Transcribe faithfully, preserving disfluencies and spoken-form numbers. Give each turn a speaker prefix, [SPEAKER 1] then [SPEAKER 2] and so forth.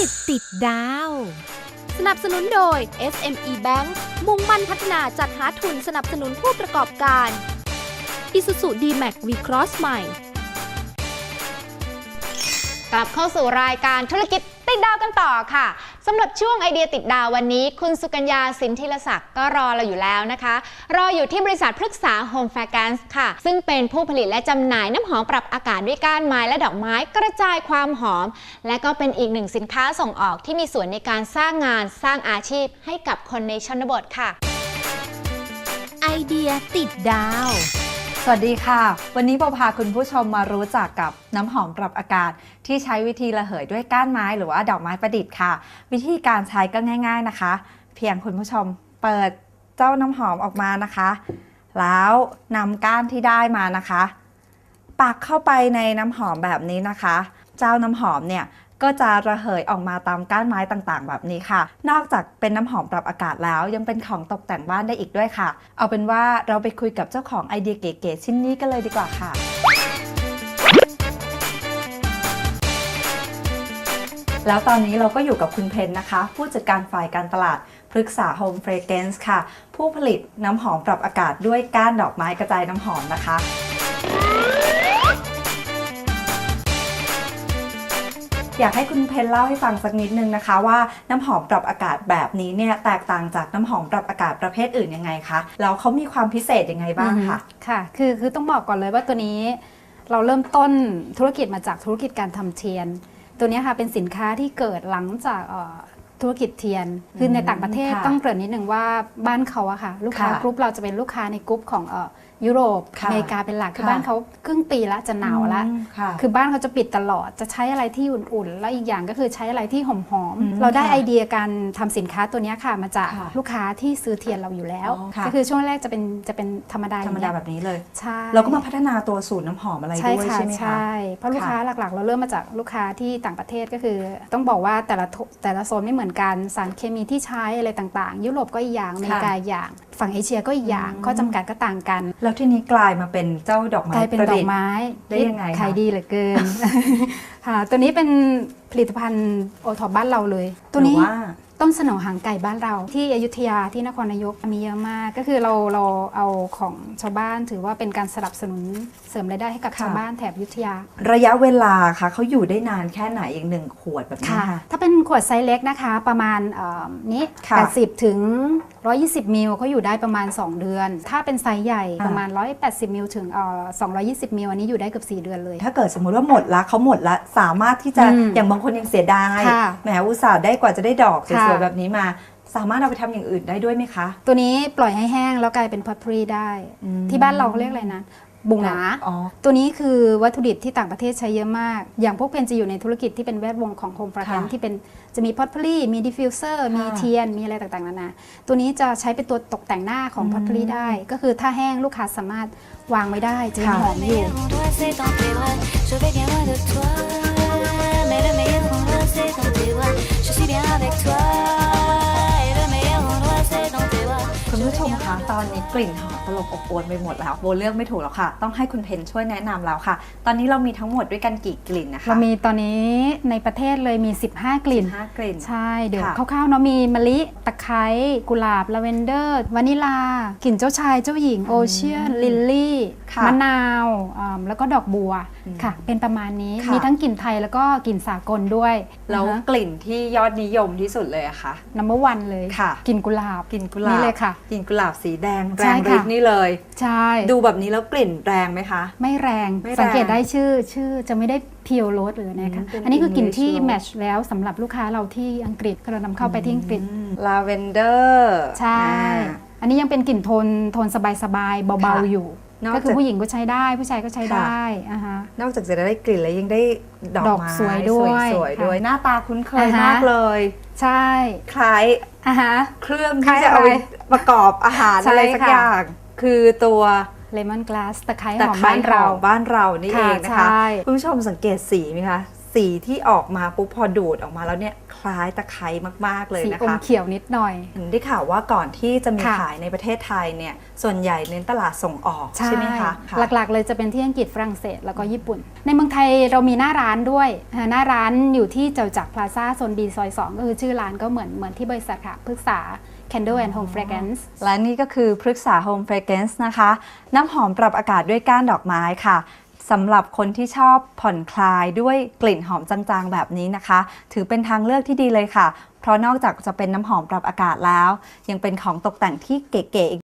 [SPEAKER 1] ติดดาวสนับสนุนโดย เอส เอ็ม อี Bank มุ่งมั่นพัฒนาจัดหาทุนสนับสนุนผู้ประกอบการ Isuzu ดี แม็กซ์ V-Cross ใหม่
[SPEAKER 2] กลับเข้าสู่รายการธุรกิจติดดาวกันต่อค่ะสำหรับช่วงไอเดียติดดาววันนี้คุณสุกัญญาสินธิรศักดิ์ก็รอเราอยู่แล้วนะคะรออยู่ที่บริษัทพฤกษา Home Fragrance ค่ะซึ่งเป็นผู้ผลิตและจำหน่ายน้ำหอมปรับอากาศด้วยก้านไม้และดอกไม้กระจายความหอมและก็เป็นอีกหนึ่งสินค้าส่งออกที่มีส่วนในการสร้างงานสร้างอาชีพให้กับคนในชนบทค่ะ
[SPEAKER 1] ไอเดียติดดาว
[SPEAKER 3] สวัสดีค่ะวันนี้โบพาคุณผู้ชมมารู้จักกับน้ำหอมปรับอากาศที่ใช้วิธีระเหยด้วยก้านไม้หรือว่าดอกไม้ประดิษฐ์ค่ะวิธีการใช้ก็ง่ายๆนะคะเพียงคุณผู้ชมเปิดเจ้าน้ำหอมออกมานะคะแล้วนำก้านที่ได้มานะคะปักเข้าไปในน้ำหอมแบบนี้นะคะเจ้าน้ำหอมเนี่ยก็จะระเหยออกมาตามก้านไม้ต่างๆแบบนี้ค่ะนอกจากเป็นน้ำหอมปรับอากาศแล้วยังเป็นของตกแต่งบ้านได้อีกด้วยค่ะเอาเป็นว่าเราไปคุยกับเจ้าของไอเดียเก๋ๆชิ้นนี้กันเลยดีกว่าค่ะแล้วตอนนี้เราก็อยู่กับคุณเพนนะคะผู้จัดการฝ่ายการตลาดพฤกษา Home Fragrance ค่ะผู้ผลิตน้ำหอมปรับอากาศด้วยก้านดอกไม้กระจายน้ำหอมนะคะอยากให้คุณเพนเล่าให้ฟังสักนิดนึงนะคะว่าน้ำหอมปรับอากาศแบบนี้เนี่ยแตกต่างจากน้ำหอมปรับอากาศประเภทอื่นยังไงคะแล้วเขามีความพิเศษยังไงบ้างคะ
[SPEAKER 4] ค่ะคือคือต้องบอกก่อนเลยว่าตัวนี้เราเริ่มต้นธุรกิจมาจากธุรกิจการทำเทียนตัวนี้ค่ะเป็นสินค้าที่เกิดหลังจากธุรกิจเทียนคือในต่างประเทศต้องเกริ่นนิดนึงว่าบ้านเขาอะค่ะลูกค้ากรุ๊ปเราจะเป็นลูกค้าในกรุ๊ปของยุโรปอเมริกาเป็นหลักคือบ้านเขาครึ่งปีละจะหนาวละคือบ้านเขาจะปิดตลอดจะใช้อะไรที่อุ่นๆแล้วอีกอย่างก็คือใช้อะไรที่หอมๆเราได้ไอเดียการทำสินค้าตัวนี้ค่ะมาจากลูกค้าที่ซื้อเทียนเราอยู่แล้วก็คือช่วงแรกจะเป็นจะเป็นธรรมดา
[SPEAKER 3] ธรรมดาแบบนี้เลย
[SPEAKER 4] ใช่
[SPEAKER 3] เราก็มาพัฒนาตัวสูตรน้ำหอมอะไรด้วยใช่ไหมคะ
[SPEAKER 4] ใช่เพราะลูกค้าหลักๆเราเริ่มมาจากลูกค้าที่ต่างประเทศก็คือต้องบอกว่าแต่ละแต่ละโซนไม่เหมือนกันสารเคมีที่ใช้อะไรต่างๆยุโรปก็อีกอย่างอเมริกาอย่างฝั่งเอเชียก็อีกอย่างข้อจำกัดก็ต่างกัน
[SPEAKER 3] แล้วที่นี้กลายมาเป็นเจ้าดอกไม้
[SPEAKER 4] กลายเป็นดอกไม้
[SPEAKER 3] ได้ยังไง
[SPEAKER 4] ขายดีเหลือเกิน ค่ะตัวนี้เป็นผลิตภัณฑ์โอท็อปบ้านเราเลยตัวนี้ต้นสนอหางไก่บ้านเราที่อยุธยาที่นครนายกมีเยอะมากก็คือเราเราเอาของชาวบ้านถือว่าเป็นการสนับสนุนเสริมรายได้ให้กับชาวบ้านแถบอยุธยา
[SPEAKER 3] ระยะเวลาค่ะเขาอยู่ได้นานแค่ไหนอีกหนึ่งขวดแบบนี้ค่ะ
[SPEAKER 4] ถ้าเป็นขวดไซส์เล็กนะคะประมาณนี้แปดสิบถึงหนึ่งร้อยยี่สิบมิลเขาอยู่ได้ประมาณสองเดือนถ้าเป็นไซส์ใหญ่ประมาณหนึ่งร้อยแปดสิบมิลถึงสองร้อยยี่สิบมิลอันนี้อยู่ได้เกือบสี่เดือนเลย
[SPEAKER 3] ถ้าเกิดสมมุติว่าหมดละเขาหมดละสามารถที่จะอย่างบางคนยังเสียดายแหมอุตส่าห์ได้กว่าจะได้ดอกสวยๆแบบนี้มาสามารถเอาไปทำอย่างอื่นได้ด้วยไหมคะ
[SPEAKER 4] ตัวนี้ปล่อยให้แห้งแล้วกลายเป็นพอตพรีได้ที่บ้านเราเขาเรียกอะไรนะบุงหนาตัวนี้คือวัตถุดิบที่ต่างประเทศใช้เยอะมากอย่างพวกเพนจะอยู่ในธุรกิจที่เป็นแวดวงของโฮมฟราแกรนซ์ที่เป็นจะมีพอตพรีมีดิฟฟิวเซอร์มีเทียนมีอะไรต่างๆนานาตัวนี้จะใช้เป็นตัวตกแต่งหน้าของพอตพรีได้ก็คือถ้าแห้งลูกค้าสามารถวางไว้ได้จะยังหอมอยู่
[SPEAKER 3] คุณผู้ชมคะตอนนี้กลิ่นหอมตลบอบอวลไปหมดแล้วโบเลือกไม่ถูกแล้วค่ะต้องให้คุณเพนช่วยแนะนำแล้วค่ะตอนนี้เรามีทั้งหมดด้วยกันกี่กลิ่นนะคะ
[SPEAKER 4] เรามีตอนนี้ในประเทศเลยมีสิบห้ากลิ่น
[SPEAKER 3] สิบห้ากลิ่น
[SPEAKER 4] ใช่เดี๋ยวคร่าวๆเนาะมีมะลิตะไคร้กุหลาบลาเวนเดอร์วานิลากลิ่นเจ้าชายเจ้าหญิงโอเชียนลิลลี่มะนาวแล้วก็ดอกบัวค่ะเป็นประมาณนี้มีทั้งกลิ่นไทยแล้วก็กลิ่นสากลด้วย
[SPEAKER 3] แล้วกลิ่นที่ยอดนิยมที่สุดเลยอะคะ
[SPEAKER 4] นัมเบอร์วันเลยกลิ่นกุหลาบ
[SPEAKER 3] กลิ่นกุหลาบ
[SPEAKER 4] นี่เลยค่ะ
[SPEAKER 3] กลิ่นกุหลาบสีแดงแรงฤทธิ์นี่เลย
[SPEAKER 4] ใช่
[SPEAKER 3] ดูแบบนี้แล้วกลิ่นแรงไหมคะ
[SPEAKER 4] ไม่แรงสังเกตได้ชื่อชื่อจะไม่ได้เพียวโรสหรือนะคะอันนี้คือกลิ่นที่แมทช์แล้วสำหรับลูกค้าเราที่อังกฤษเรานำเข้าไปที่อังกฤษ
[SPEAKER 3] ลาเวนเดอร์
[SPEAKER 4] ใช่อันนี้ยังเป็นกลิ่นโทนโทนสบายๆเบาๆอยู่ก็คือผู้หญิงก็ใช้ได้ผู้ชายก็ใช้ได้
[SPEAKER 3] นอกจากจะได้กลิ่นแล้วยังได้ดอกไม้
[SPEAKER 4] สวยด้วย
[SPEAKER 3] สวยด้วยหน้าตาคุ้นเคยมากเลย
[SPEAKER 4] ใช่
[SPEAKER 3] คล้ายเครื่องที่จะเอาประกอบอาหารอะไรสักอย่างคือตัว
[SPEAKER 4] เลมอนกลาสตะไคร้ของบ้านเรา
[SPEAKER 3] บ้านเรานี่เองนะคะคุณผู้ชมสังเกตสีไหมคะสสีที่ออกมาปุ๊บพอดูดออกมาแล้วเนี่ยคล้ายตะไคร้มากๆเลย
[SPEAKER 4] สี
[SPEAKER 3] นะ
[SPEAKER 4] อม
[SPEAKER 3] คะ
[SPEAKER 4] เขียวนิดหน่อย
[SPEAKER 3] เห็นได้ข่าวว่าก่อนที่จะมี
[SPEAKER 4] ค่ะ
[SPEAKER 3] ขายในประเทศไทยเนี่ยส่วนใหญ่เน้นตลาดส่งออกใช่ไหมคะค่ะ
[SPEAKER 4] หลักๆเลยจะเป็นที่อังกฤษฝรั่งเศสแล้วก็ญี่ปุ่น ในเมืองไทยเรามีหน้าร้านด้วยอ่าหน้าร้านอยู่ที่เจ้าจักรพลาซ่าโซนดีซอยสองก็คือชื่อร้านก็เหมือนเหมือนที่บริษัทค่ะพฤกษา Candle and Home Fragrance
[SPEAKER 3] และนี่ก็คือพฤกษา Home Fragrance นะคะ น้ำหอมปรับอากาศด้วยก้านดอกไม้ค่ะสำหรับคนที่ชอบผ่อนคลายด้วยกลิ่นหอมจางๆแบบนี้นะคะ ถือเป็นทางเลือกที่ดีเลยค่ะ เพราะนอกจากจะเป็นน้ำหอมปรับอากาศแล้ว ยังเป็นของตกแต่งที่เก๋ๆ